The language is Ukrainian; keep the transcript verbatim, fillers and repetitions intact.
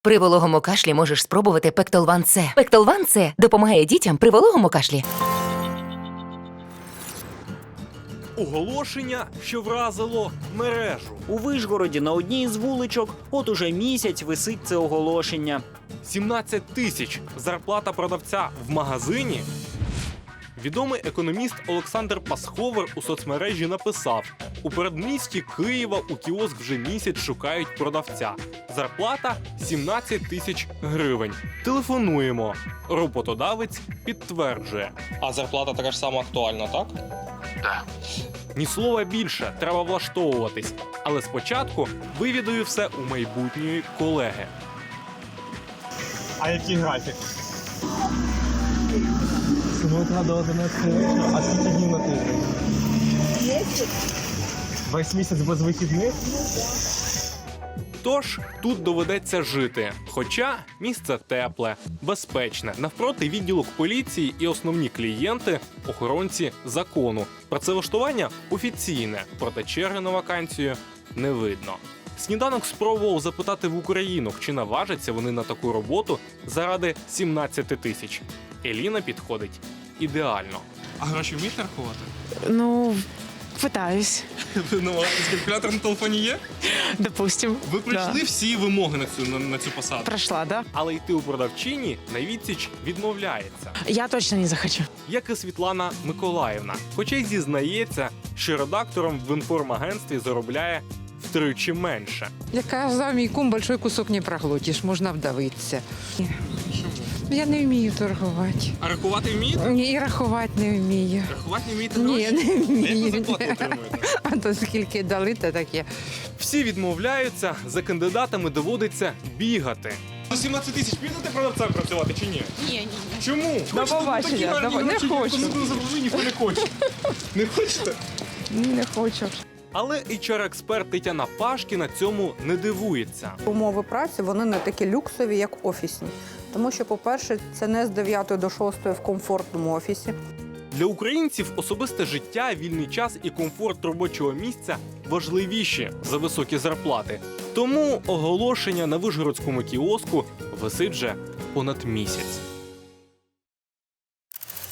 При вологому кашлі можеш спробувати Пектолван С. Пектолван С допомагає дітям при вологому кашлі. Оголошення, що вразило мережу. У Вишгороді на одній із вуличок от уже місяць висить це оголошення. сімнадцять тисяч зарплата продавця в магазині. Відомий економіст Олександр Пасховер у соцмережі написав: у передмісті Києва у кіоск вже місяць шукають продавця. Зарплата сімнадцять тисяч гривень. Телефонуємо. Роботодавець підтверджує. А зарплата така ж сама актуальна, так? Ні слова більше, треба влаштовуватись. Але спочатку вивідую все у майбутньої колеги. А який графік? З утра до одинадцяти вечора, а скільки днів на тиждень? Весь місяць без вихідних? Тож тут доведеться жити. Хоча місце тепле, безпечне. Навпроти відділок поліції і основні клієнти – охоронці закону. Працевлаштування офіційне, проте черги на вакансію не видно. Сніданок спробував запитати в українок, чи наважаться вони на таку роботу заради сімнадцяти тисяч. Еліна підходить ідеально. А гроші вмієте рахувати? Ну, пытаюсь, Ви намагаєтесь, калькулятор на телефоні є? допустим. Ви пройшли Да. всі вимоги на цю, на, на цю посаду? Прошла, да? Але йти у продавчині на відсіч відмовляється. Я точно не захочу. Як і Світлана Миколаївна. Хоча й зізнається, що редактором в інформагентстві заробляє втричі менше. Я казав, мій кум, большой кусок не проглотиш, можна вдавитися. Я не вмію торгувати. А рахувати вмієте? Ні, і рахувати не вмію. Рахувати не вмієте Ні, гроші? не А як ви вмію. зарплату отримуєте? А то скільки дали, то таке. Всі відмовляються, за кандидатами доводиться бігати. За сімнадцять тисяч підете продавцем працювати чи ні? Ні, ні. Чому? До Хочете, побачення, такі гарні давай, не гроші, хочу. Коли ви заробили, ніхто не хоче. Не хочете? Ні, не хочу. Але ейч ар-експерт Тетяна Пашкіна цьому не дивується. Умови праці, вони не такі люксові, як офісні. Тому що, по-перше, це не з дев'ятої до шостої в комфортному офісі. Для українців особисте життя, вільний час і комфорт робочого місця важливіші за високі зарплати. Тому оголошення на вишгородському кіоску висить вже понад місяць.